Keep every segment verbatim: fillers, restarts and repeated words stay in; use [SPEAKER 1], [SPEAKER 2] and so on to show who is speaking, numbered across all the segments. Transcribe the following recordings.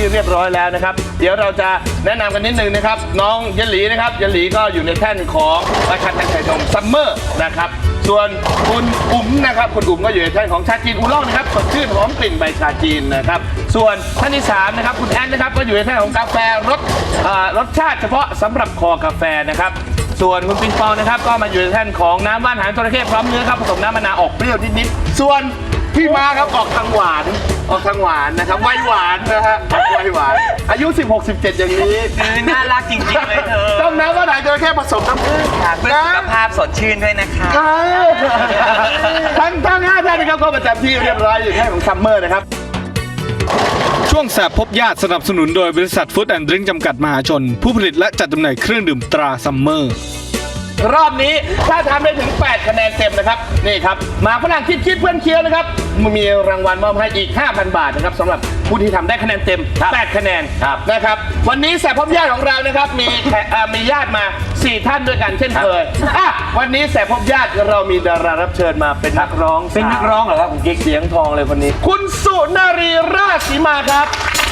[SPEAKER 1] เรียบร้อยแล้วนะครับเดี๋ยวเราจะแนะนำกันนิดนึงนะครับน้องเยลหลีนะครับเยลหลีก็อยู่ในแท่นของราชาแท่นไข่นมซัมเมอร์นะครับส่วนคุณอุ๋มนะครับคุณอุ๋มก็อยู่ในแท่นของชาจีนอูล่องนะครับสดชื่นหอมกลิ่นใบชาจีนนะครับส่วนท่านที่สามนะครับคุณแอนนะครับก็อยู่ในแท่นของกาแฟรสรสชาติเฉพาะสำหรับคอกาแฟนะครับส่วนคุณปิงปองนะครับก็มาอยู่ในแท่นของน้ำว่านหางจระเข้พร้อมเนื้อครับผสมน้ำมะนาวออกเปรี้ยวนิดๆส่วนพี่มาครับออกทางหวานออกทางหวานนะครับไวหวานนะฮะไวหวานอายุสิบหก สิบเจ็ดอย่างนี้
[SPEAKER 2] น่ารักจริงๆเลยเธอ
[SPEAKER 1] ต้องน้ำว่านหางจระเข้ผสมน้ำผึ้ง
[SPEAKER 2] เพื่อสุขภาพสดชื่นด้วยนะคะ
[SPEAKER 1] ทั้งทั้งห้าท่านนะครับก็ประจำที่เรียบร้อยอยู่แท่นของซัมเมอร์นะครับ
[SPEAKER 3] ช่วงแสบพบญาติสนับสนุนโดยบริษัทฟู้ดแอนด์ดริงก์จำกัดมหาชนผู้ผลิตและจัดจำหน่ายเครื่องดื่มตราซัมเมอร์
[SPEAKER 1] รอบนี้ถ้าทำได้ถึงแปดคะแนนเต็มนะครับนี่ครับมาฝรั่งคิดคิดเพื่อนเคี้ยวนะครับมีรางวัลมอบให้อีก ห้าพัน บาทนะครับสำหรับผู้ที่ทำได้คะแนนเต็มแปดคะแนนนะครับวันนี้แสบพบญาติของเรานะครับมีมีญาติมาสี่ท่านด้วยกันเช่นเคยอ่ะวันนี้แสบพบญาติเรามีดารารับเชิญมาเป็นนักร้อง
[SPEAKER 2] เป็นนักร้องเหรอครับคุณกิ๊ก
[SPEAKER 1] เสียงทองเลยคนนี้คุณสุนารีราชสีมาครับ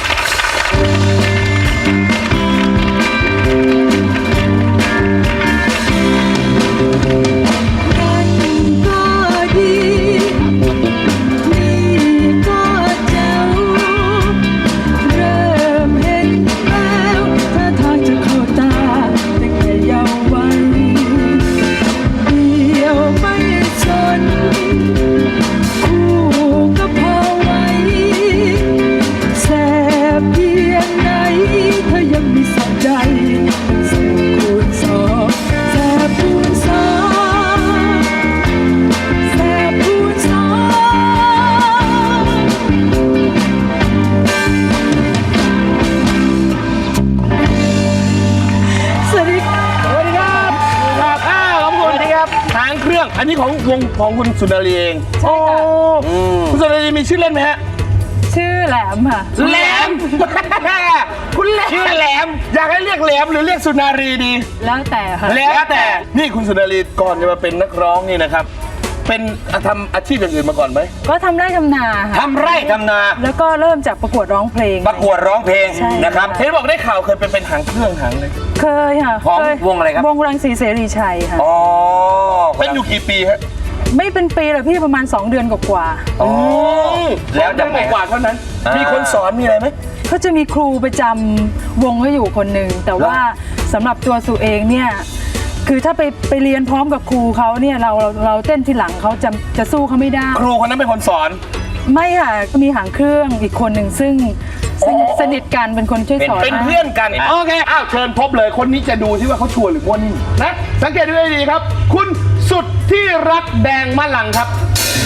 [SPEAKER 1] อันนี้ของวงของคุณสุนารีเอง
[SPEAKER 4] ใช่ค่ะ
[SPEAKER 1] คุณสุนารีมีชื่อเล่นไหมฮะ
[SPEAKER 4] ชื่อแหลมค่ะ
[SPEAKER 1] แหลมคุณแหลมชื่อแหลมอยากให้เรียกแหลมหรือเรียกสุนารีดี
[SPEAKER 4] แล้วแต่ค่ะ
[SPEAKER 1] แล้วแต่นี่คุณสุนารีก่อนจะมาเป็นนักร้องนี่นะครับเป็นทำอาชีพอย่างอื่นมาก่อนไหม
[SPEAKER 4] ก็ทำไร่ทำนาค่ะ
[SPEAKER 2] ทำไร่ทำนา
[SPEAKER 4] แล้วก็เริ่มจากประกวดร้องเพลง
[SPEAKER 2] ประกวดร้องเพลงนะครับ
[SPEAKER 1] เห็นบอกได้ข่าวเคยเป็นเป็นหางเครื่องหางเลย
[SPEAKER 4] เคยค่ะ
[SPEAKER 2] ของวงอะไรครับ
[SPEAKER 4] วงรังสีเสรีชัยค่ะ
[SPEAKER 2] อ๋อ
[SPEAKER 1] เป็นอยู่กี่ปีฮะ
[SPEAKER 4] ไม่เป็นปีหรอกพี่ประมาณสองเดือนกว่า
[SPEAKER 1] ๆอ๋อแล้วเดือนกว่าเท่านั้นมีคนสอนมีอะไรไหม
[SPEAKER 4] ก็จะมีครูประจำวงเขาอยู่คนหนึ่งแต่ว่าสำหรับตัวสุเองเนี่ยคือถ้าไปไปเรียนพร้อมกับครูเขาเนี่ยเราเราเราเต้นทีหลังเขาจะจะสู้เขาไม่ได้
[SPEAKER 1] ครูคนนั้นเป็นคนสอน
[SPEAKER 4] ไม่ค่ะมีหางเครื่องอีกคนหนึ่งซึ่งสนิทกันเป็นคนช่วยสอน
[SPEAKER 1] เป็นเพื่อนกันโอเคอ้าวเชิญพบเลยคนนี้จะดูที่ว่าเขาชัวร์หรือมั่วนิ่มนะสังเกตดูให้ดีครับคุณสุดที่รักแดงมะลังครับ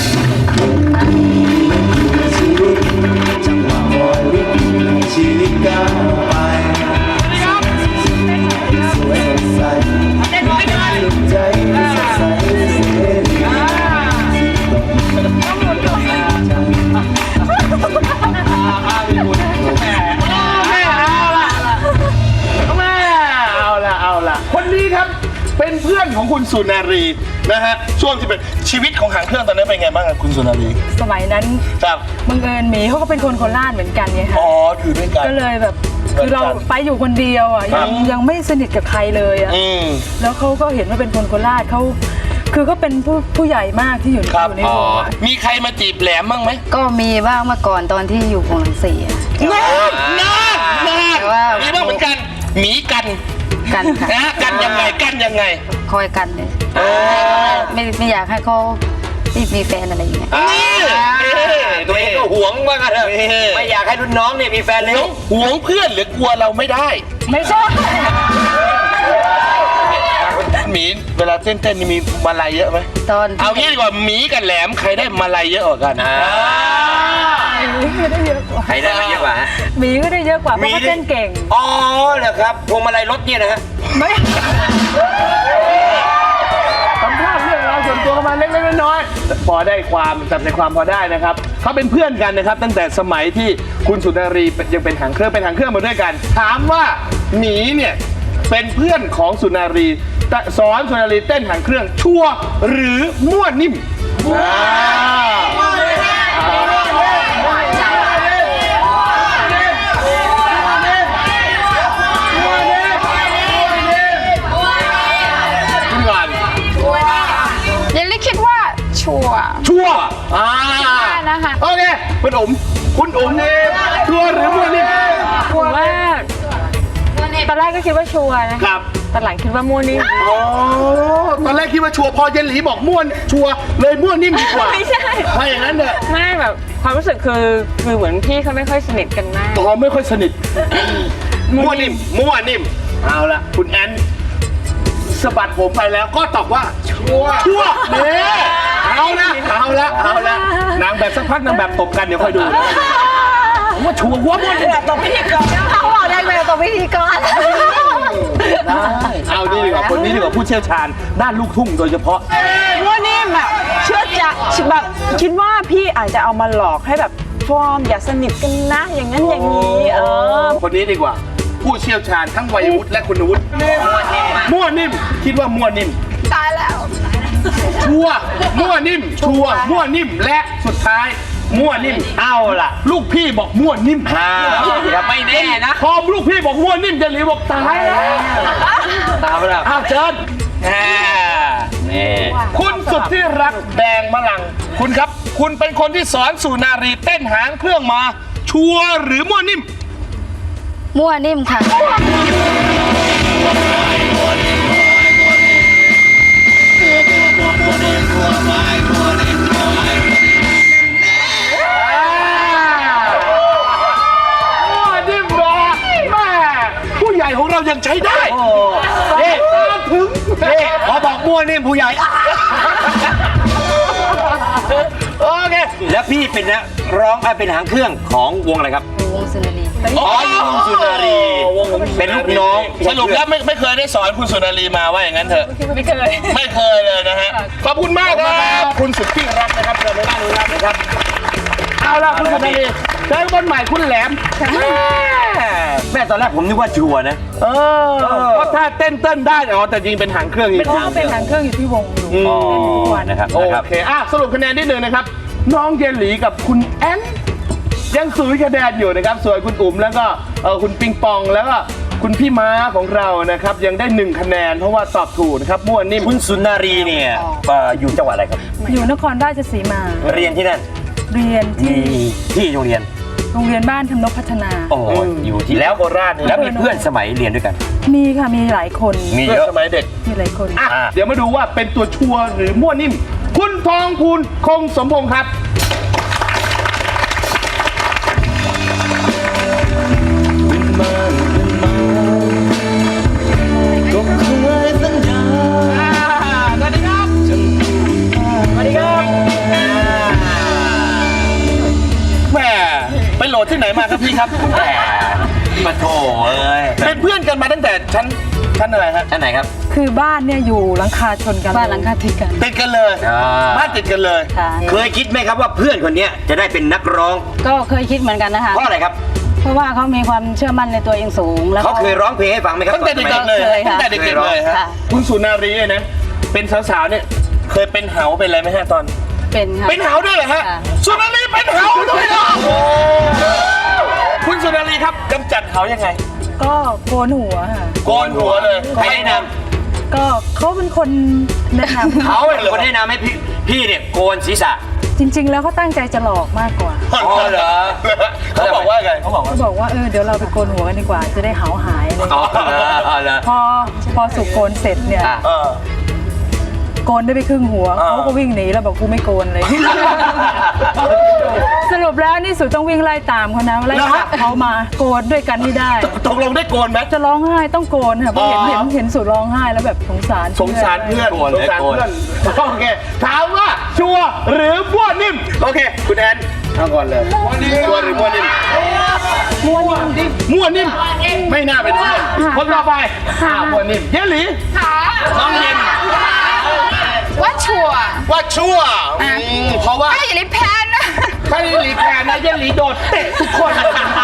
[SPEAKER 1] ชีวิตก้าวไปสวยสดใสใจสดใสเสรีเอาละเอาละคนนี้ครับเป็นเพื่อนของคุณสุนารีนะฮะช่วงที่เป็นชีวิตของหางเครื่องตอนนั้นเป็นไงบ้างคุณสุนารี
[SPEAKER 4] สมัยนั้น
[SPEAKER 1] ครับ
[SPEAKER 4] บังเอิญหมีเขาก็เป็นคนโคราชเหมือนกันไงคะ
[SPEAKER 1] อ๋ออยู่ด้วยกัน
[SPEAKER 4] ก็เลยแบบคือเราไปอยู่คนเดียวอ่ะยังยังไม่สนิทกับใครเลยอ่ะแล้วเขาก็เห็นว่าเป็นคนโคราชเขาคือเขาเป็นผู้ผู้ใหญ่มากที่อยู่อยู่ในวง
[SPEAKER 1] มีใครมาจีบแหลมบ้างไหม
[SPEAKER 5] ก็มีบ้างเมื่อก่อนตอนที่อยู่วงรังสี
[SPEAKER 1] น่าน่าน่ามีบ้างเหมือนกันหมีกัน
[SPEAKER 5] กันค่ะ
[SPEAKER 1] นะกันยังไงกันยังไง
[SPEAKER 5] คอยกันเลยไม่ไม่อยากให้เขาไม่มีแฟนอะไรอย่างเงี้ย
[SPEAKER 2] ตัวเองก็หวงว่ากันเถอะไม่อยากให้รุ่นน้องเนี่ยมีแฟนเลย
[SPEAKER 1] หวงเพื่อนหรือกลัวเราไม่ได้
[SPEAKER 4] ไม่ใช่
[SPEAKER 1] หมีเวลาเต้นๆนี่มีมาลัยเยอะไหม
[SPEAKER 5] ตอน
[SPEAKER 1] เอางี้ดีกว่าหมีกับแหลมใครได้มาลัยเยอะกว่ากัน
[SPEAKER 4] หมีก็ได้เยอะกว่า
[SPEAKER 2] ใครได้เยอะกว่า
[SPEAKER 4] หมีก็ได้เยอะกว่าเพราะเขาเต้นเก่ง
[SPEAKER 2] อ๋อเหรอครับพวงมาลัยรถเนี่ยนะฮะ
[SPEAKER 4] ไม่
[SPEAKER 1] สัมภาษณ์เรื่องราวส่วนตัวมาเล็กๆน้อยๆพอได้ความจับใจความพอได้นะครับเขาเป็นเพื่อนกันนะครับตั้งแต่สมัยที่คุณสุนารียังเป็นหางเครื่องเป็นหางเครื่องมาด้วยกันถามว่าหมีเนี่ยเป็นเพื่อนของสุนารีสอนสุนารีเต้นหางเครื่องชัวร์หรือมั่วนิ่มโอเคคุณอุ๋มคุณอุ๋มนี่ชัวร์หรือมั่วนิ่ม
[SPEAKER 6] ผมว่าตอนแรกก็คิดว่าชัวร์นะครับ ตอนหลังคิดว่ามั่วนิ่ม
[SPEAKER 1] อ๋อตอนแรกคิดว่าชัวร์พอเยนหลีบอกม่วนชัวร์เลยมั่วนิ่มดีกว่า
[SPEAKER 6] ไม่ใช่
[SPEAKER 1] ถ้าอย่างนั้นเนี่ย
[SPEAKER 6] ไม่แบบความรู้สึกคือคือเหมือนพี่เขาไม่ค่อยสนิทกันมาก
[SPEAKER 1] ตอไม่ค่อยสนิทมั่วนิ่มมั่วนิ่มเอาละคุณแอนสะบัดผมไปแล้วก็ตอบว่าชัวร์ชัวร์เนี่ยเอาละเอาละเอาละนางแบบสักพักนางแบบตบกันเดี๋ยวค่อยดูผมว่าชัวร์หัวมั่วนิ่ม
[SPEAKER 5] ตบพิธีกรเขาบอกได้ไหมตบพิธีกร
[SPEAKER 1] เอาดีดีกว่าคนนี้ดีกว่าผู้เชี่ยวชาญด้านลูกทุ่งโดยเฉพาะ
[SPEAKER 7] ว่านี่แบบเชื่อจะแบบคิดว่าพี่อาจจะเอามาหลอกให้แบบฟอร์มอย่าสนิทกันนะ อย่างนั้นอย่างนี้เออ
[SPEAKER 1] คนนี้ดีกว่า ผู้เชี่ยวชาญทั้งวัยวุฒิและคุณวุฒิมั่วนิ่มคิดว่ามั่วนิ่มตายแล้วชัวร์มั่วนิ่มชัวร์มั่วนิ่มและสุดท้ายมั่วนิ่ม
[SPEAKER 2] เอาล่ะ
[SPEAKER 1] ลูกพี่บอกมั่วนิ่ม
[SPEAKER 2] อ่าอย่าไม่แน่นะ
[SPEAKER 1] พอลูกพี่บอกมั่วนิ่มเจนหลีบอกตายแล้ว
[SPEAKER 2] ตามไปแล้ว
[SPEAKER 1] อ้าวเชิญ
[SPEAKER 2] นี่
[SPEAKER 1] คุณสุดที่รักแดงมะลัง คุณครับ คุณเป็นคนที่สอนสุนารีเต้นหางเครื่องมา ชัวร์หรือมั่วนิ่ม
[SPEAKER 5] มั่วนิ่มค่ะ
[SPEAKER 1] มั่วนิ่มเหรอแม่ผู้ใหญ่ของเรายังใช้ได้
[SPEAKER 2] นี่
[SPEAKER 1] ตามถึง
[SPEAKER 2] นี่พอบอกมั่วนี่ผู้ใหญ่
[SPEAKER 1] โอเค
[SPEAKER 2] แล้วพี่เป็นนะร้องเอ้ยเป็นหางเครื่องของวงอะไรครับ
[SPEAKER 5] วงสุนารี
[SPEAKER 2] อ๋อวงสุนารี เป็นลูกน้อง
[SPEAKER 1] สรุปแล้วไม่ไม่เคยได้สอนคุณสุนารีมาว่าอย่างนั้นเถอะ
[SPEAKER 6] ไม่เคย
[SPEAKER 1] ไม่เคยเลยนะฮะ ขอบคุณมากครับคุณสุดที่รักนะครับเชิญในบ้านนู้นรับนะครับ เอาล่ะคุณสุนารีเจอคนใหม่คุณแหลม
[SPEAKER 2] แม่ตอนแรกผมนึกว่าชัวร์นะ
[SPEAKER 1] เออเพราะถ้าเต้นเต้นได้อ๋อแต่จริงเป็นหางเครื่องจริง
[SPEAKER 4] เพราะเขาเป็นหางเครื่องอยู่ที่วงอยู่
[SPEAKER 2] อ๋อ
[SPEAKER 4] เล่นอยู่ทุกวัน
[SPEAKER 2] นะครับ
[SPEAKER 1] โอ
[SPEAKER 2] นะครับ
[SPEAKER 1] เคอ่ะสรุปคะแนนนิดนึงนะครับ น้องเยนหลีกับคุณแอนยังสูญคะแนนอยู่นะครับ ส่วนคุณอุ๋มแล้วก็เออคุณปิงปองแล้วก็คุณพี่ม้าของเรานะครับยังได้หนึ่งคะแนนเพราะว่าตอบถูกนะครับมั่วนิ่ม
[SPEAKER 2] คุณสุนารีเนี่ยเอ่ออยู่จังหวัดอะไรครับ
[SPEAKER 4] อยู่นครราชสีมา
[SPEAKER 2] เรียนที่นั่น
[SPEAKER 4] เรียน
[SPEAKER 2] มี
[SPEAKER 4] ที่
[SPEAKER 2] ที่โรงเรียน
[SPEAKER 4] โรงเรียนบ้านทำนกพัฒนา
[SPEAKER 2] โอ้โหอยู่ที่แล้วโคราชแล้วมีเพื่อนสมัยเรียนด้วยกัน
[SPEAKER 4] มีค่ะมีหลายคน
[SPEAKER 2] มี
[SPEAKER 1] เพื่
[SPEAKER 2] เย
[SPEAKER 1] อ
[SPEAKER 2] อะ
[SPEAKER 1] สมัยเด็ก
[SPEAKER 4] มีหลายคน
[SPEAKER 1] อ่ะ
[SPEAKER 2] อ่ะ
[SPEAKER 1] เดี๋ยวมาดูว่าเป็นตัวชัวร์หรือมั่วนิ่ม คุณทองพูนคงสมพงษ์ครับ แหม่ไปโหลดที่ไหนมาครับพี่ครับ
[SPEAKER 2] แหมมาโถเอ้ย
[SPEAKER 1] เป็นเพื่อนกันมาตั้งแต่ชั้นชั้นอะไรฮะ
[SPEAKER 2] ท่านไหนครับ
[SPEAKER 4] คือบ้านเนี่ยอยู่หลังคาชนกัน
[SPEAKER 5] บ้านหลังคาติดกัน
[SPEAKER 1] ติดกันเลย
[SPEAKER 2] อ่า
[SPEAKER 1] บ้านติดกันเลย
[SPEAKER 5] ค่ะ
[SPEAKER 2] เคยคิดไหมครับว่าเพื่อนคนเนี้ยจะได้เป็นนักร้อง
[SPEAKER 5] ก็เคยคิดเหมือนกันนะคะ
[SPEAKER 2] เพราะอะไรครับ
[SPEAKER 5] เพราะว่าเขามีความเชื่อมั่นในตัวเองสูง แล้ว
[SPEAKER 2] เขาเคยร้องเพลงให้ฟังไหมครับ
[SPEAKER 1] ตั้งแต่เด็กๆเลย
[SPEAKER 5] เคยค่ะ
[SPEAKER 1] ตั้งแต่เด็กๆเลยฮะ
[SPEAKER 5] ค่ะ
[SPEAKER 1] คุณสุนารีเนี่ยนะ เป็นสาวๆเนี่ยเคยเป็นเหาเป็นอะไรไหมฮะตอน
[SPEAKER 5] เป็นค่ะ
[SPEAKER 1] เป็นเหาด้วยเหรอฮะ
[SPEAKER 5] ค่ะ
[SPEAKER 1] สุนารีเป็นเหาด้วยเหรอโอ้คุณสุนารีครับกำจัดเหายังไง
[SPEAKER 4] ก็โกนหัวค่ะ
[SPEAKER 1] โกนหัวเลย
[SPEAKER 2] ใครแนะน
[SPEAKER 4] ก็เขาเป็นคนแนะนำ
[SPEAKER 2] ำเขาเป็นคนแนะนำให้พี่พี่เนี่ยโกนศีรษะ
[SPEAKER 4] จริง ๆ แล้วเขาตั้งใจจะหลอกมากกว่า
[SPEAKER 2] อ๋อเหรอ
[SPEAKER 1] เขาบอกว่าไงเขาบอกว่า
[SPEAKER 4] เขาบอกว่าเออเดี๋ยวเราไปโกนหัวกันดีกว่า จะได้หาวหายเลย
[SPEAKER 2] อ๋อเหรออ๋อเหรอ
[SPEAKER 4] พอพอสุกโกนเสร็จเนี่ย
[SPEAKER 2] อ่ะ
[SPEAKER 1] เออ
[SPEAKER 4] โกนได้ไปครึ่งหัว
[SPEAKER 1] อ่า
[SPEAKER 4] เขาก็วิ่งหนีแล้วบอกกูไม่โกนเลย สรุปแล้วนี่สุต้องวิ่งไล่ตามเขานะไล่จับเขามาโกนด้วยกันให้ได้
[SPEAKER 1] ตกลงได้โกนไหม
[SPEAKER 4] จะร้องไห้ต้องโกนค่ะเพราะเห็น
[SPEAKER 1] อ๋อ
[SPEAKER 4] เห็นเห็นสุร้องไห้แล้วแบบสงสาร
[SPEAKER 1] สงสารเพื่อน
[SPEAKER 2] โกน
[SPEAKER 1] ส
[SPEAKER 2] เลย
[SPEAKER 1] งสาร
[SPEAKER 2] โกน
[SPEAKER 1] เพื่อนโอเคถามว่าชัวร์หรือมั่วนิ่มโอเค คุณแอนเอาก่อนเลยชัวร์หรือมั่วนิ่มมั่วนิ่มมั่วนิ่มไม่น่าเป็นเพื่อนคนต่อไปอ่ามั่วนิ่มเยลหลีน้องเย็น
[SPEAKER 8] ว่าชัวร์
[SPEAKER 1] ว่าชัวร์อืมเพราะว่า
[SPEAKER 8] ไอ้อย่าลิแพนนะ
[SPEAKER 1] ถ้าเยลหลีแพ้นะเยลหลีโดดเตะทุกคน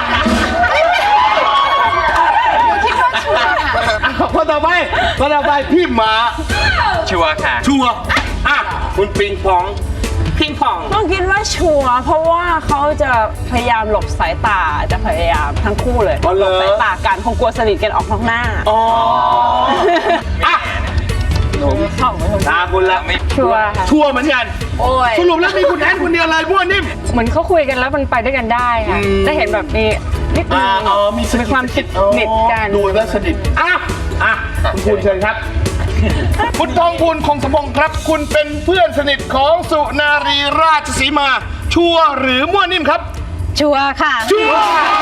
[SPEAKER 8] คิดว่าชัวร์ค่ะ
[SPEAKER 1] คนต่อไปคนต่อไปพี่หมา
[SPEAKER 2] ชัวร์ค่ะ
[SPEAKER 1] ชัวร์อ่ะคุณปิงปองปิงปอง
[SPEAKER 7] ต้องคิดว่าชัวร์เพราะว่าเขาจะพยายามหลบสายตาจะพยายามทั้งคู่เลย
[SPEAKER 1] อ๋อเหรอ
[SPEAKER 7] หลบสายตากันคงกลัวสนิทกันออกนอกหน้า
[SPEAKER 1] อ๋ออ่ะหนูอุ๋มตาคุณละ
[SPEAKER 6] ชัวร์ค่ะ
[SPEAKER 1] ชัวร์เหมือนกันสรุปแล้วมีคุณแอนคนเดียวเลยมั่วนิ่ม
[SPEAKER 6] เหมือนเขาคุยกันแล้วมันไปด้วยกันได้ค่ะได้เห็นแบบมีนิดนึ
[SPEAKER 1] อ่าง อ๋อมีสนิท
[SPEAKER 6] ความสนิทกัน
[SPEAKER 1] ดูแล้วสนิทอ่ะอ่ะคุณคุณเชิญครับ คุณทองพูนคงสมพงศ์ครับ คุณเป็นเพื่อนสนิทของสุนารีราชสีมา ชัวร์หรือมั่วนิ่มครับ
[SPEAKER 5] ชัวร์ค่ะ
[SPEAKER 1] ชัวร์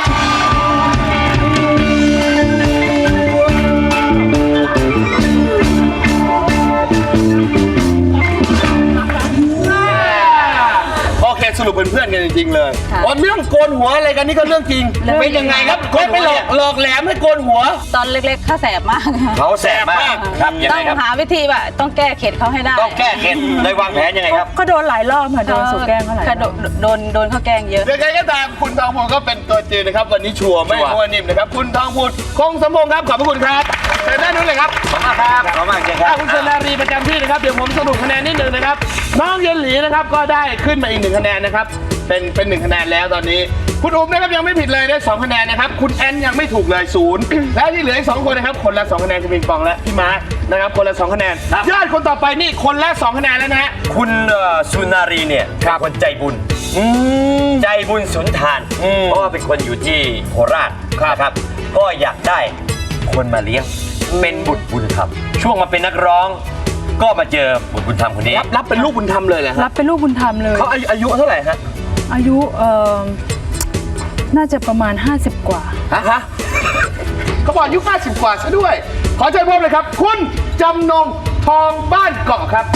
[SPEAKER 1] โอเคสรุปเป็นเพื่อนกันจริงๆเลย
[SPEAKER 5] ค่ะ
[SPEAKER 1] อ๋อเรื่องโกนหัวอะไรกันนี่ก็เรื่องจริง เป็นยังไงครับคนไปหลอกหลอกแหลมให้โกนหัว
[SPEAKER 5] ตอนเล็กๆเขาแสบมาก
[SPEAKER 2] เขาแสบมากครับยัง
[SPEAKER 5] ต้อ
[SPEAKER 2] ไง
[SPEAKER 5] ง
[SPEAKER 2] ครับ
[SPEAKER 5] หาวิธีแบบต้องแก้เข็ดเขาให้ได้
[SPEAKER 2] ต้องแก้เข็ดเลยวางแผนยังไงครับ
[SPEAKER 4] ก็โดนหลายรอบค่ะโดนสุแกล้งเขาหลายร
[SPEAKER 5] ค่ะ
[SPEAKER 4] อบ
[SPEAKER 5] โดนโดนโดนเขาแกล้งเยอะ
[SPEAKER 1] ยังไงก็ตามคุณทองพูนก็เป็นตัวจริงนะครับ วันนี้ชัวร์ไม่
[SPEAKER 2] ชัวร์
[SPEAKER 1] มั่วนิ่มนะครับ คุณทองพูนคงสมพงศ์ครับขอบพระคุณครับเชิญด้านนู้นเลยครับ
[SPEAKER 2] ขอบคุณครับขอบคุณค
[SPEAKER 1] ถ้า
[SPEAKER 2] รับ
[SPEAKER 1] คุณสุนารีประจำที่นะครับเดี๋ยวผมสรุปคะแนนนิดหนึ่งนะครับน้องเยนหลีนะครับก็ได้ขึ้นมาอีกหนึ่งคะแนนนะครับเป็นเป็นหนึ่งคะแนนแล้วตอนนี้ คุณอุ้มนะครับยังไม่ผิดเลยได้สองคะแนนนะครับคุณแอนยังไม่ถูกเลยศูนย์ แล้วที่เหลืออีกสองคนนะครับคนละสองคะแนนจะมีปองและพี่ม้านะครับคนละสองคะแนนญาติคนต่อไปนี่คนละสองคะแนนแล้วนะฮะ
[SPEAKER 2] คุณเอ่อสุนารีเนี่ยเป็นคนใจบุญใจบุญสุนทาน เพราะว่าเป็นคนอยู่ที่โคราชนะครับ ก็อยากได้คนมาเลี้ยงเป็นบุตรบุญธรรมช่วงมาเป็นนักร้อง ก็มาเจอบุตรบุญธรรมคนนี้
[SPEAKER 1] รับรับเป็นลูกบุญธรรมเลยเหรอ
[SPEAKER 4] รั
[SPEAKER 1] ฮะ
[SPEAKER 4] บเป็นลูกบุญธรรมเลย
[SPEAKER 1] เขาอายุอายุเท่าไหร่ฮะ
[SPEAKER 4] อายุเอ่อน่าจะประมาณ ห้าสิบ กว่า
[SPEAKER 1] ฮะฮะเขาบอกอายุห้าสิบกว่าซะด้วย ขอเชิญพบเลยครับ คุณจำนงทองบ้านเกาะครับ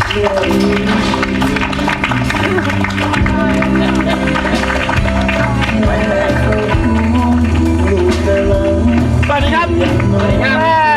[SPEAKER 1] สวัสดีครับสวัสดีครับ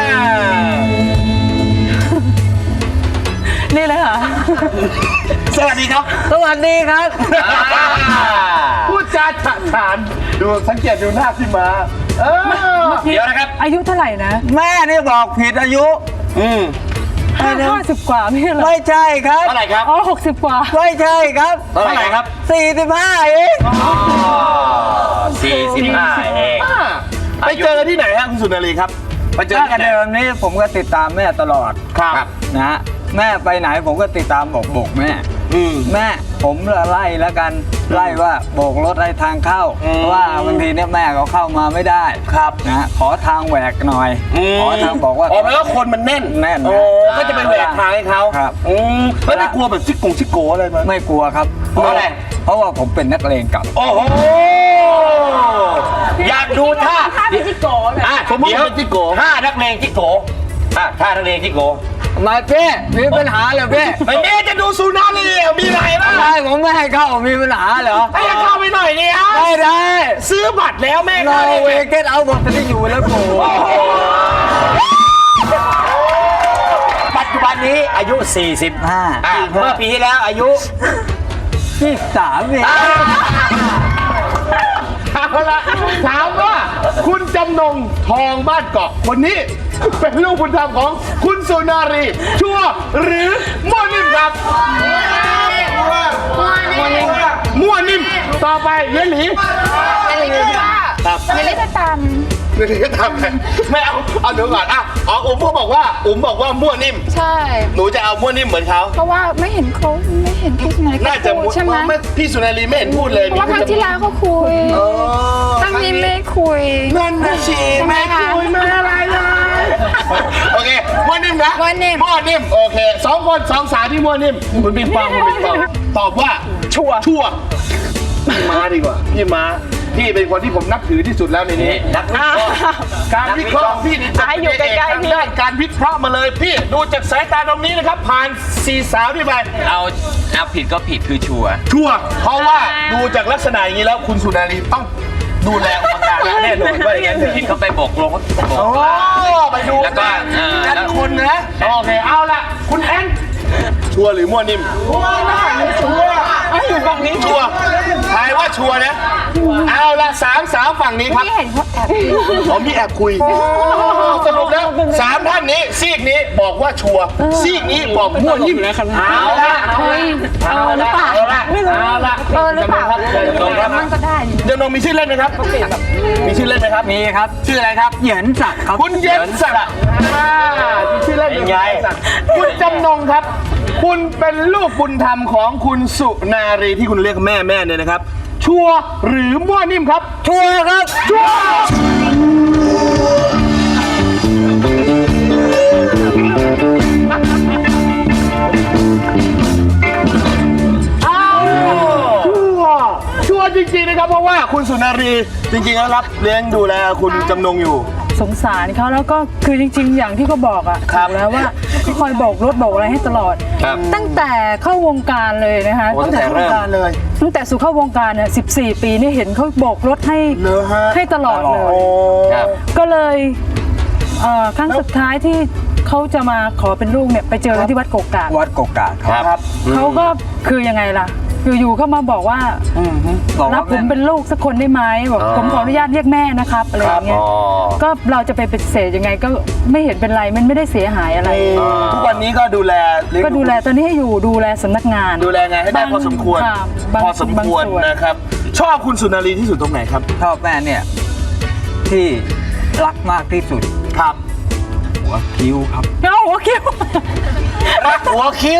[SPEAKER 4] นี่เลยค่ะ
[SPEAKER 1] สวัสดีครับ
[SPEAKER 2] สวัสดีครับ
[SPEAKER 1] พูดจาฉะฉานดูสังเกตดูหน้าพี่มาเออ
[SPEAKER 2] เดี๋ยวนะครับ
[SPEAKER 4] อายุเท่าไหร่นะ
[SPEAKER 9] แม่นี่บอกผิดอายุ
[SPEAKER 1] อืม
[SPEAKER 4] ห้าห้าสิบกว่าไม่ใช่เหรอ
[SPEAKER 9] ไม่ใช่ครับ
[SPEAKER 2] เท่าไหร่ครับ
[SPEAKER 4] อ๋อหกสิบกว่า
[SPEAKER 9] ไม่ใช่ครับ
[SPEAKER 2] เท่าไหร่ครับ
[SPEAKER 9] สี่สิบห้าเอง
[SPEAKER 2] สี่สิบห้าเอง
[SPEAKER 1] อ่าไปเจอที่ไหนฮะคุณสุนารีครับ ไปเจอ
[SPEAKER 9] ถ้า
[SPEAKER 1] ที่
[SPEAKER 9] กัน
[SPEAKER 1] ไหน
[SPEAKER 9] เดิมนี้ผมก็ติดตามแม่ตลอด
[SPEAKER 1] ครับ
[SPEAKER 9] นะฮะแม่ไปไหนผมก็ติดตามบอกโบกแม่
[SPEAKER 1] อืม
[SPEAKER 9] แม่ผมไล่แล้วกันไล่ว่าโบกรถให้ทางเข้า
[SPEAKER 1] อืม
[SPEAKER 9] เพราะว่าบางทีเนี่ยแม่เขาเข้ามาไม่ได้
[SPEAKER 1] ครับ
[SPEAKER 9] นะฮะขอทางแหวกหน่อย ขอทางบอกว่า
[SPEAKER 1] อ๋อแปลว่าคนมันแน่น
[SPEAKER 9] แน่นนะ
[SPEAKER 1] โอ้ก็จะไปแหวกทางให้เขา
[SPEAKER 9] ครับ
[SPEAKER 1] อืมแล้วไม่กลัวแบบซิกกงซิกโกอะไรมั้ย
[SPEAKER 9] ไม่กลัวครับ
[SPEAKER 1] เพราะอะไร
[SPEAKER 9] เพราะว่าผมเป็นนักเลงเก่า
[SPEAKER 1] โอ้โห
[SPEAKER 2] อยากดูท่า
[SPEAKER 6] ท่าพิจิโกะเนี่ย
[SPEAKER 2] อ่ะ
[SPEAKER 1] สมมุติ
[SPEAKER 2] เดี๋ยว
[SPEAKER 1] เป็นจิโก
[SPEAKER 2] ท่านักเลงจิโกอ่ะท่านักเลงจิโก
[SPEAKER 9] มาเป้มีปัญหาเหรอเป้
[SPEAKER 1] ไม่แม่จะดูสุนารีอ่ะมีอะไรบ้าง
[SPEAKER 9] ทำไมผมไม่ให้เข้ามีปัญหาเหรอ
[SPEAKER 1] ให้เข้าไปหน่อยนี่ฮะ
[SPEAKER 9] ไม่ได้
[SPEAKER 1] ซื้อบัตรแล้วแม่
[SPEAKER 9] โน
[SPEAKER 1] เข้า
[SPEAKER 9] เว
[SPEAKER 1] เลย
[SPEAKER 9] เกตเอาบอกจะได้อยู่แล้วกู
[SPEAKER 2] ปัจจุบันนี้อายุ สี่สิบ
[SPEAKER 9] ห้า
[SPEAKER 2] อ่ะเมื่อปีที่แล้วอายุ
[SPEAKER 9] ยี่สิบสามเอง
[SPEAKER 1] เอาละถามว่าคุณจำนงทองบ้านเกาะคนนี้ เป็นลูกบุญธรรมของคุณสุนารี ชัวร์หรือมั่วนิ่มครับมั่วนิ่มมั่วนิ่มต่อไปเยหลี
[SPEAKER 8] อะไรก็ว่า
[SPEAKER 1] ครับ
[SPEAKER 8] อย่าเล่นตาม
[SPEAKER 1] เยหลีก็ทำไงไม่เอาเอาเดี๋ยวก่อนอ่ะอ๋ออุ๋มเขาบอกว่าอุ๋มบอกว่ามั่วนิ่ม
[SPEAKER 8] ใช่
[SPEAKER 1] หนูจะเอามั่วนิ่มเหมือนเขา
[SPEAKER 8] เพราะว่าไม่เห็นเขาไม่เห็นพี่สุนัย
[SPEAKER 1] น่าจะ
[SPEAKER 8] เขา
[SPEAKER 1] มั่
[SPEAKER 8] พู
[SPEAKER 1] ว
[SPEAKER 8] ดใช่ไหม
[SPEAKER 1] ไม่พี่สุนารีไม่เห็นพูดเลย
[SPEAKER 8] เพราะว่าครั้งที่แล้วเขาคุย
[SPEAKER 1] อ๋อ
[SPEAKER 8] ครั้งนี้ไม่คุย
[SPEAKER 1] นั่นนะสิ
[SPEAKER 8] ใช่ไหม
[SPEAKER 1] แม่
[SPEAKER 8] คะ
[SPEAKER 1] คุยไม่อะไรเลยโอเคมั่วนิ่มนะ
[SPEAKER 8] มั่วนิ่ม
[SPEAKER 1] มั่วนิ่มโอเคสองคนสองสาวที่มั่วนิ่มคุณปิงปองคุณปิงปองตอบว่าชัวร์ชัวร์พี่ม้าดีกว่าพี่ม้าพี่เป็นคนที่ผมนับถือที่สุดแล้วในนี้
[SPEAKER 2] นักวิเคราะห์
[SPEAKER 1] การวิเคราะห์ของพี่นี่จะ
[SPEAKER 6] ให้อยู่ใกล้ๆพี่
[SPEAKER 1] ด้านการวิเคราะห์มาเลยพี่ดูจากสายตาตรงนี้นะครับ ผ่านสี่สาวที่ไป
[SPEAKER 10] เอาเอาผิดก็ผิดคือชัวร์
[SPEAKER 1] ชัวร์เพราะว่าดูจากลักษณะอย่างนี้แล้วคุณสุนารีต้องดูแลอุปการะแน่นอนว่าอย่างนั้นเถอะ
[SPEAKER 10] ผิดเขาไปโบกลงเขาโบก
[SPEAKER 1] โอ้ไปดู
[SPEAKER 10] แล้วก็เอ่อ
[SPEAKER 1] กันคนนะโอเคเอาละคุณแอนชัวร์หรือมั่วนิ่มชัวร์นะชัวร์
[SPEAKER 7] อยู่ฝั่งนี้
[SPEAKER 1] ชัวร์ทายว่าชัวร์นะ เอาละสามสาวฝั่งนี้ครับ
[SPEAKER 8] ที่เห็นเขาแอบ
[SPEAKER 1] ผมมีแอบคุยสรุปแล้วสามท่านนี้ซีกนี้บอกว่าชัวร์ซีกนี้บอกมั่วยิ่มเอาละเอาละเอาละเอาละเอาละ
[SPEAKER 8] เออหรือเปล่า
[SPEAKER 1] จำนงครับ
[SPEAKER 8] มันก็ได้อยู่
[SPEAKER 1] จำนงมีชื่อเล่นไหมครับ มีชื่อเล่นไหมครับ
[SPEAKER 9] มีครับ
[SPEAKER 1] ชื่ออะไรครับ
[SPEAKER 9] เหยินศักดิ์ครับ
[SPEAKER 1] คุณเย็นศักดิ์อ่ามีชื่อเล่นเป็นไงคุณจำนงครับ คุณเป็นลูกบุญธรรมของคุณสุนารีที่คุณเรียกแม่แม่เนี่ยนะครับ ชัวร์หรือมั่วนิ่มครับ ชัวร์ครับ ชัวร์ชัวร์จริงๆนะครับเพราะว่าคุณสุนารีจริงๆแล้วรับเลี้ยงดูแลคุณจำนงอยู่
[SPEAKER 4] สงสารเขาแล้วก็คือจริง ๆ อย่างที่เขาบอกอ่ะ
[SPEAKER 1] ครับ
[SPEAKER 4] ถูกแล้วว่าเขาคอยโบกรถโบกอะไรให้ตลอด
[SPEAKER 1] ครับ
[SPEAKER 4] ตั้งแต่เข้าวงการเลยนะคะ
[SPEAKER 1] โอ้ตั้งแต่เข้าวงการเลย
[SPEAKER 4] ตั้งแต่สู่เข้าวงการเนี่ยสิบสี่ ปีนี่เห็นเขาโบกรถให้
[SPEAKER 1] เหรอฮะ
[SPEAKER 4] ให้ตลอดเลย
[SPEAKER 1] โอ้
[SPEAKER 4] ก็เลยเอ่อครั้งสุดท้ายที่เขาจะมาขอเป็นลูกเนี่ยไปเจอกันที่วัดโกกาก
[SPEAKER 9] วัดกกาครับ
[SPEAKER 1] ครับ
[SPEAKER 4] เขาก็คือยังไงล่ะอยู่ๆเขามาบอกว่า
[SPEAKER 9] บอก
[SPEAKER 4] รั
[SPEAKER 9] ว่า
[SPEAKER 4] บผมเป็นลูกสักคนได้ไหมบอกผมขออนุญาตเรียกแม่นะครับอะไรอย่างเงี้ยก็เราจะไปปฏิเสธยังไงก็ไม่เห็นเป็นไรมันไม่ได้เสียหายอะไร
[SPEAKER 1] ทุกวันนี้ก็ดูแลเลี้ยง
[SPEAKER 4] ก็ดูแลตอนนี้ให้อยู่ดูแลสำนักงาน
[SPEAKER 1] ดูแลงานให้ได้
[SPEAKER 4] บาง
[SPEAKER 1] พอสมควร
[SPEAKER 4] ค่ะบาง
[SPEAKER 1] พอสมควร
[SPEAKER 4] บางส่วน
[SPEAKER 1] นะครับ ชอบคุณสุนารีที่สุดตรงไหนครับ
[SPEAKER 9] ชอบแม่เนี่ย ที่รักมากที่สุด
[SPEAKER 1] ครับ
[SPEAKER 9] หัวคิ้วครับ
[SPEAKER 4] เอ้าหัวคิ้ว
[SPEAKER 1] รักหัวคิ้ว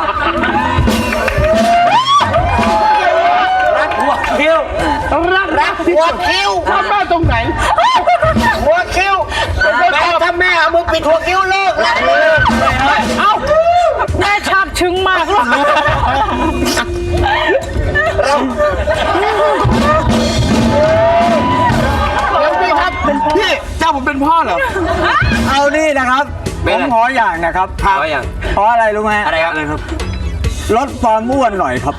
[SPEAKER 1] รักหัวคิ้วรักรักหัวคิ้วชอบแม่ตรงไหน หัวคิ้วแม่ถ้าแม่เอามือปิดหัวคิ้วเลิกรักเลย
[SPEAKER 4] เอ้าแม่ชอบชึงมากลูก
[SPEAKER 1] เดี๋ยวพี่ครับพี่เจ้าผมเป็นพ่อเหรอ
[SPEAKER 9] เอานี่นะครับ ผมขออย่างนะครับ
[SPEAKER 2] ขออย่าง
[SPEAKER 9] เพราะอะไรรู้ไหม
[SPEAKER 2] อะไรครับอะไรครับ
[SPEAKER 9] ลดความอ้วนหน่อยครับ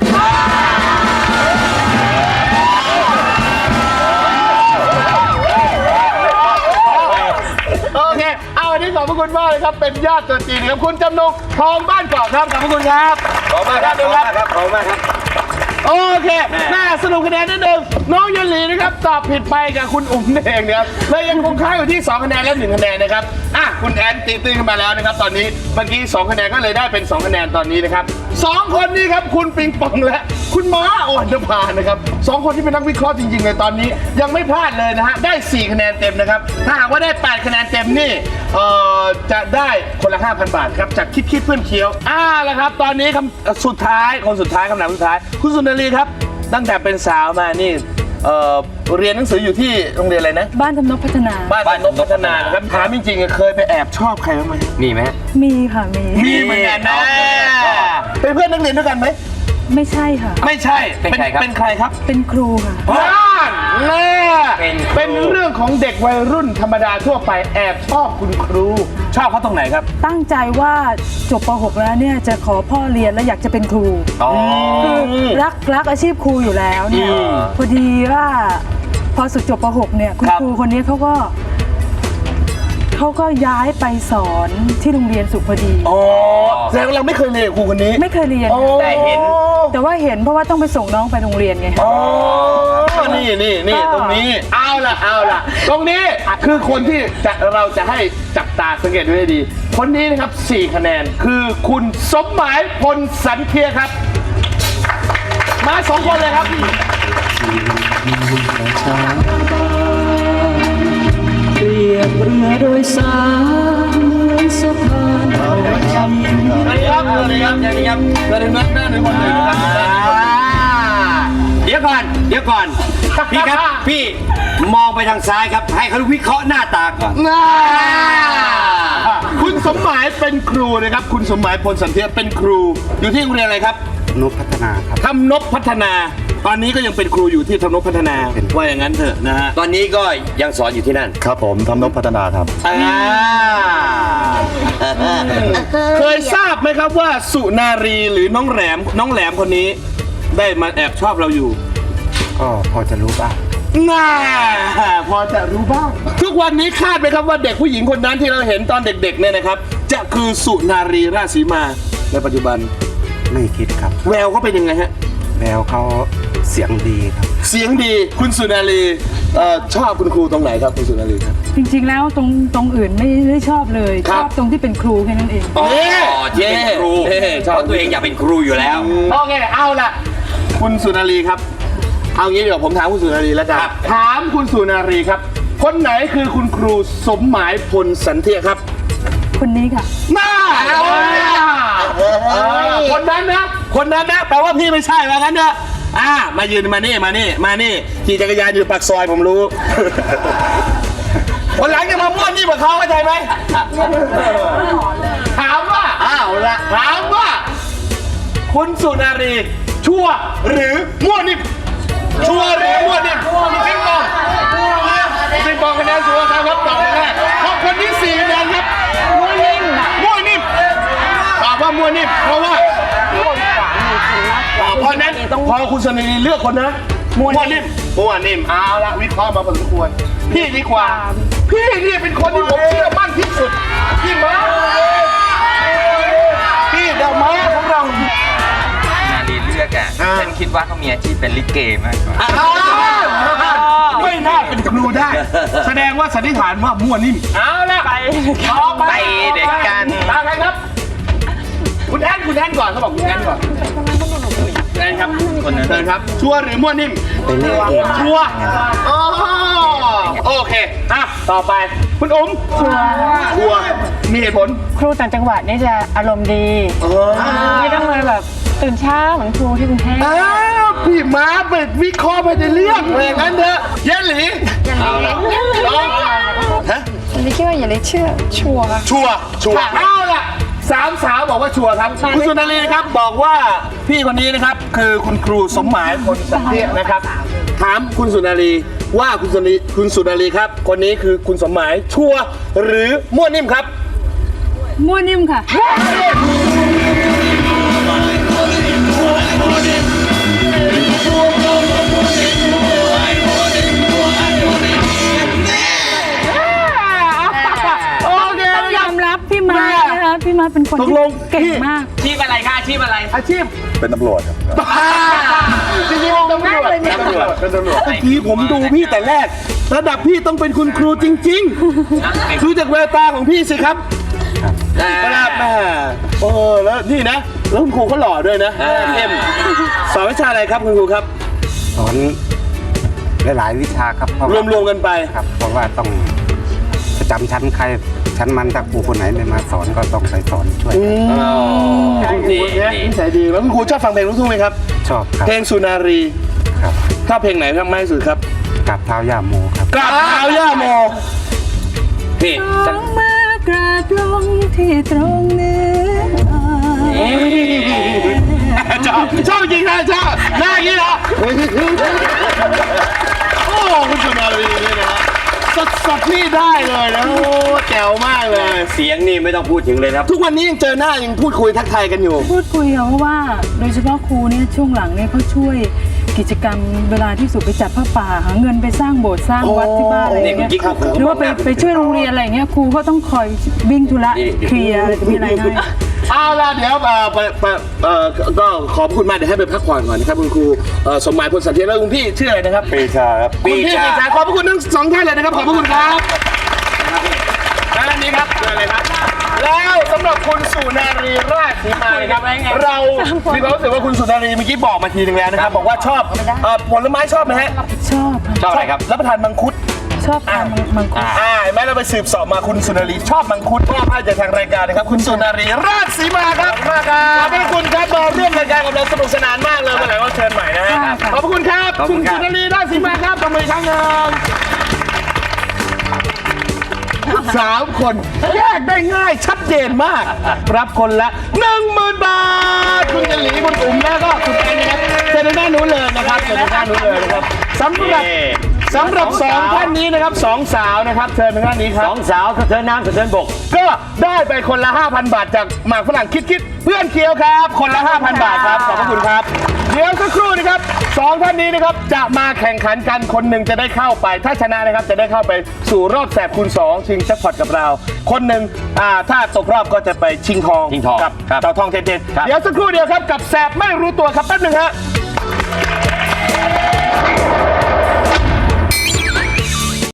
[SPEAKER 1] โอเค เอาอันนี้ขอบพระคุณมากเลยครับ เป็นญาติตัวจริงครับ คุณจำนงทองบ้านเกาะครับ ขอบพระคุณครับ ขอบคุณครับขอบคุณครับขอบคุณครับ โอเค น่าสรุปคะแนนนิดนึงน้องยันหลีนะครับ ตอบผิดไปกับคุณอุ๋มเองนะครับเลยยังคงค้างอยู่ที่สองคะแนนและหนึ่งคะแนนนะครับ อ่ะ คุณแอนตีตื้นขึ้นมาแล้วนะครับ ตอนนี้ เมื่อกี้สองคะแนนก็เลยได้เป็นสองคะแนนตอนนี้นะครับสองคนนี้ครับ คุณปิงปองและคุณม้าอ่อนนภานะครับสองคนที่เป็นนักวิเคราะห์จริงๆเลยตอนนี้ ยังไม่พลาดเลยนะฮะ ได้สี่คะแนนเต็มนะครับ ถ้าหากว่าได้แปดคะแนนเต็มนี่ เอ่อ จะได้คนละ ห้าพัน บาทครับ จากคิดคิดเพื่อนเคี้ยว อ่าแล้วครับ ตอนนี้คำสุดท้าย คนสุดท้ายคำถามสุดท้าย คุณสุนารีครับ ตั้งแต่เป็นสาวมานี่ เอ่อ เรียนหนังสืออยู่ที่โรงเรียนอะไรนะ
[SPEAKER 4] บ้านทำนกพัฒนา
[SPEAKER 1] บ้านนกพัฒนานะครับ ถามจริงๆ เคยไปแอบชอบใครบ้างไหม
[SPEAKER 2] มีไหม
[SPEAKER 4] มีค่ะมี
[SPEAKER 1] มีเหมือนกันนะเป็นเพื่อนนักเรียนด้วยกันไหม
[SPEAKER 4] ไม่ใช่ค่ะ
[SPEAKER 1] ไม่ใช่
[SPEAKER 2] เป็นใครครับ
[SPEAKER 1] เป็นใครครับ
[SPEAKER 4] เป็นครูค่ะ
[SPEAKER 1] บ้านแม่
[SPEAKER 2] เป็นครู
[SPEAKER 1] เป็นเรื่องของเด็กวัยรุ่นธรรมดาทั่วไปแอบชอบคุณครู ชอบเขาตรงไหนครับ
[SPEAKER 4] ตั้งใจว่าจบป หก แล้วเนี่ยจะขอพ่อเรียนแล้วอยากจะเป็นครู
[SPEAKER 2] อ๋อ
[SPEAKER 4] คือรักรักอาชีพครูอยู่แล้วเนี่ย
[SPEAKER 1] อืม
[SPEAKER 4] พอดีว่าพอสุดจบป หก เนี่ยคุณ
[SPEAKER 1] ครับ
[SPEAKER 4] ครูคนนี้เขาก็เขาก็ย้ายไปสอนที่โรงเรียนสุพดี
[SPEAKER 1] อ๋อแสดงว่าเราไม่เคยเรียนกับครูคนนี้
[SPEAKER 4] ไม่เคยเรียน
[SPEAKER 2] แต่เห็น
[SPEAKER 4] แต่ว่าเห็นเพราะว่าต้องไปส่งน้องไปโรงเรียนไง
[SPEAKER 1] อ๋อ นี่นี่นี่ตรงนี้ เอาล่ะ เอาล่ะ ตรงนี้คือคนที่จะเราจะให้จับตาสังเกตดูให้ดี คนนี้นะครับสี่คะแนน คือคุณสมหมายพลสันเทียครับ มาสองคนเลยครับ
[SPEAKER 9] เปรียบเรือโดยสารเหมือนสะพาน
[SPEAKER 1] สวัสดีครับ สวัสดีครับ สวัสดีครับสวัสดีครับสวัสดีครับหน้าหนึ่งคนหนึ่งนะครับ
[SPEAKER 2] เดี๋ยวก่อน เดี๋ยวก่อน พี่ครับ พี่มองไปทางซ้ายครับ ให้เขาวิเคราะห์หน้าตาก่อน
[SPEAKER 1] น่าคุณสมหมายเป็นครูนะครับ คุณสมหมายพลสันเทียเป็นครู อยู่ที่โรงเรียนอะไรครับ
[SPEAKER 9] นกพัฒนาครับ
[SPEAKER 1] ทำนบพัฒนา ตอนนี้ก็ยังเป็นครูอยู่ที่ทำนบพัฒนา ว่าอย่างนั้นเถอะนะฮะ
[SPEAKER 2] ตอนนี้ก็ยังสอนอยู่ที่นั่น
[SPEAKER 11] ครับผมทำนบพัฒนาครับ
[SPEAKER 1] อ่าเคยทราบไหมครับว่าสุนารีหรือน้องแหลมน้องแหลมคนนี้ ได้มาแอบชอบเราอยู่
[SPEAKER 11] ก็พอจะรู้บ้าง
[SPEAKER 1] น่าพอจะรู้บ้าง ทุกวันนี้คาดไหมครับว่าเด็กผู้หญิงคนนั้นที่เราเห็นตอนเด็กๆเนี่ยนะครับ จะคือสุนารีราชสีมาในปัจจุบัน
[SPEAKER 11] ไม่คิดครับ
[SPEAKER 1] แววเขาเป็นยังไงฮะ
[SPEAKER 11] แล้วเขาเสียงดีครับ
[SPEAKER 1] เสียงดีคุณสุนารีเอ่อชอบคุณครูตรงไหนครับคุณสุนารีครับ
[SPEAKER 4] จริงๆแล้วตรงตรงอื่นไม่ได้ชอบเลย
[SPEAKER 1] ครั
[SPEAKER 4] ช
[SPEAKER 1] บ
[SPEAKER 4] อบตรงที่เป็นครูแค่นั้นเอง
[SPEAKER 2] อ๋อที่เป็นครู
[SPEAKER 1] เย้ชอบ
[SPEAKER 2] เพราะตัวเองอยากเป็นครูอยู่แล้ว
[SPEAKER 1] โอเคเอาละคุณสุนารีครับ เอางี้เดี๋ยวผมถามคุณสุนารีแล้วกัน
[SPEAKER 2] ครับ
[SPEAKER 1] ถามคุณสุนารีครับ คนไหนคือคุณครูสมหมายพลสันเทียครับ
[SPEAKER 4] คนนี้ค่ะ
[SPEAKER 1] น่าคนนั้นนะคนนั้นนะแปลว่าพี่ไม่ใช่ว่างั้นนะอ่ามายืนมานี่มานี่มานี่ขี่จักรยานอยู่ปากซอยผมรู้ คนหลังจะมาม่วนนี่กับเขาเข้าใจไหมถามว่าอ้าวละถามว่า คุณสุนารีชั่วหรือมั่วนิ่มชั่วหรือมั่วนิ่มปิงปองปิงปองคะแนนสูงครับครับตอบแรกขอบคนที่สี่คะแนนครับมั่วนิ่มมั่วนิ่มตอบว่ามั่วนิ่มเพราะว่าเพราะนั้นพอคุณสุนารีเลือกคนนะมั่วนิ่มมั่วนิ่มเอาละวิเคราะห์มาพอสมควรพี่ดีกว่า พี่นี่เป็นคนที่ผมเชื่อมั่นที่สุดพี่ม้าพี่เดอะม้าของเรา
[SPEAKER 10] นาลีเลือกอ่ะ
[SPEAKER 1] อ่า
[SPEAKER 10] ฉันคิดว่าเขามีอาชีพเป็นลิเกมากกว่า
[SPEAKER 1] ไม่น่าเป็นครูได้ แสดงว่าสันนิษฐานว่ามั่วนิ่มเอาละไปต่อไป
[SPEAKER 10] ไปเด็กกัน
[SPEAKER 1] ตามใครครับ คุณแอนคุณแอนก่อนเขาบอกคุณแอนก่อนแอนครับคนนั้นเชิญครับชัวร์หรือมั่วนิ่มเป็นเรื่องเองชัวร์อ๋อโอเคอ่ะต่อไปคุณอุ๋มชัวร์ชัวร์มีเหตุผล
[SPEAKER 6] ครูต่างจังหวัดนี่จะอารมณ์ดี ไม่ต้องเลยแบบตื่นเช้าเหมือนครูที่กรุงเทพ
[SPEAKER 1] อ้าวพี่ม้าไปวิเคราะห์ไปในเรื่องอะไรงั้นเถอะเย็นหลี
[SPEAKER 8] อย่าเลี้ย
[SPEAKER 1] ลองฮะ
[SPEAKER 8] ฉันคิดว่าอย่าเลี้ยเชื่อชัวร์
[SPEAKER 1] ชัวร์ชัวร์เอาล่ะสามสาวบอกว่าชัวร์ครับคุณสุนารีครับบอกว่าพี่คนนี้นะครับคือคุณครูสมหมายพลสันเทียนะครับถามคุณสุนารีว่าคุณสุนารีคุณสุนารีครับ คนนี้คือคุณสมหมายชัวร์หรือมั่วนิ่มครับ
[SPEAKER 4] มั่วนิ่มค่ะ
[SPEAKER 1] โอเค
[SPEAKER 4] ต้องยอมรับพี่มานะคะพี่มาเป็นคน
[SPEAKER 1] ตก
[SPEAKER 4] ที่
[SPEAKER 1] ลง
[SPEAKER 4] เก่ง
[SPEAKER 1] พี่
[SPEAKER 4] มาก
[SPEAKER 10] อาชีพอะไรคะอาชีพอะไร
[SPEAKER 1] อาชีพ
[SPEAKER 11] เป็นตำรวจครับ
[SPEAKER 1] จริงๆเป็นตำรวจเป็นตำรวจเป็นตำรวจเมื่อกี้ผมดูพี่แต่แรก ระดับพี่ต้องเป็นคุณครูจริงๆคือจากแววตาของพี่สิครับครับแม่โอ้แล้วนี่นะ แล้วคุณครูเขาหล่อด้วยนะเข้มสอนวิชาอะไรครับคุณครูครับ
[SPEAKER 11] สอนหลายๆวิชาครับเพราะ
[SPEAKER 1] ร
[SPEAKER 11] ว่าว
[SPEAKER 1] มๆกันไป
[SPEAKER 11] ครับ เพราะว่าต้องประจำชั้นใครชั้นมันถ้าครูคนไหนไม่มาสอนก็ต้องไปสอนช่วยกัน
[SPEAKER 1] คุณครูเนี่ยนิสัยดีแล้วคุณครูชอบฟังเพลงลูกทุ่งไหมครับ
[SPEAKER 11] ชอบครับ
[SPEAKER 1] เพลงสุนารี
[SPEAKER 11] ครับ
[SPEAKER 1] ชอบเพลงไหนครับมากที่สุดครับ
[SPEAKER 11] กราบเท้าย่าโมครับ
[SPEAKER 1] กราบเท้าย่าโมพี่
[SPEAKER 4] สองมือกราบลงที่ตรงเนื้อ
[SPEAKER 1] ชอบชอบจริงนะชอบหน้าอย่างนี้เหรอโอ้คุณสุนารีนี่นะฮะสดสดๆนี่ได้เลยนะโอ้แจ๋วมากเลย
[SPEAKER 2] เสียงนี่ไม่ต้องพูดถึงเลยครับ
[SPEAKER 1] ทุกวันนี้ยังเจอหน้ายังพูดคุยทักทายกันอยู่
[SPEAKER 4] พูดคุยค่ะเพราะว่าโดยเฉพาะครูเนี่ยช่วงหลังเนี่ยเขาช่วยกิจกรรมเวลาที่สุไปจัดผ้าป่าหาเงินไปสร้างโบสถ์สร้างวัดที่บ้านอะไรอย่างเงี้ย
[SPEAKER 2] นี่คุณกิ๊กครับ
[SPEAKER 4] หรือว่าไปไปช่วยโรงเรียนอะไรอย่างเงี้ยครูก็ต้องคอยวิ่งธุระเคลียร์อะไรมีอะไรให้
[SPEAKER 1] เอาล่ะเดี๋ยวเอ่อไปไปเอ่อก็ขอบคุณมากเดี๋ยวให้ไปพักผ่อนก่อนนะครับคุณครูเอ่อสมหมายพลสันเทียแล้วคุณพี่ชื่ออะไรนะครับ
[SPEAKER 11] ปีชาครับ
[SPEAKER 1] คุณพี่ปีชาขอบพระคุณทั้งสองท่านเลยนะครับขอบพระคุณครับด้านนี้ครับเชิญเลยครับ แล้วสำหรับคุณสุนารีราชสีมานะครับเรามีความรู้สึกว่าคุณสุนารีเมื่อกี้บอกมาทีนึงแล้วนะครับบอกว่าชอบเอ่อผลไม้ชอบไหมฮะ
[SPEAKER 4] ชอบค่ะ
[SPEAKER 2] ชอบอะไรครับ
[SPEAKER 1] รับประทานมังคุด
[SPEAKER 4] ชอบทานมังคุด
[SPEAKER 1] อ่าเห็นไหมเราไปสืบเสอบมาคุณสุนารีชอบมังคุดมอบให้จากทางรายการนะครับคุณสุนารีราชสีมาครับขอบขอบพระคุณครับมาร่วมรายการกับเราสนุกสนานมากเลยวันไหนว่าเชิญใหม่นะฮะขอบพระคุณครับคุณสุนารีราชสีมาครับตบมืออีกครั้งหนึ่งสามคนแยกได้ง่ายชัดเจนมาก รับคนละหนึ่งหมื่นบาทคุณเจลีคุณอุ๋มแล้วก็คุณแอนนะครับเชิญด้านนู้นเลยนะครับเชิญด้านนู้นเลยนะครับสำหรับสำหรับสองท่านนี้นะครับสองสาวนะครับเชิญทางด้านนี้ครับ
[SPEAKER 2] สองสาวสะเทินน้ำสะเทินบก
[SPEAKER 1] ก็ได้ไปคนละ ห้าพัน บาทจากหมากฝรั่งคิดคิดเพื่อนเคี้ยวครับ คนละ ห้าพัน บาทครับขอบพระคุณครับเดี๋ยวสักครู่นะครับสองท่านนี้นะครับจะมาแข่งขันกันคนหนึ่งจะได้เข้าไป ถ้าชนะนะครับจะได้เข้าไปสู่รอบแสบคูณสองชิงแจ็คพอตกับเรา คนหนึ่งอ่าถ้าตกรอบก็จะไปชิงทอง
[SPEAKER 2] ชิงทอง
[SPEAKER 1] กับ
[SPEAKER 2] ครับ
[SPEAKER 1] เต่าทองเทนเทน
[SPEAKER 2] ครับ
[SPEAKER 1] เดี๋ยวสักครู่เดียวครับกับแสบไม่รู้ตัวครับแป๊บหนึ่งฮะ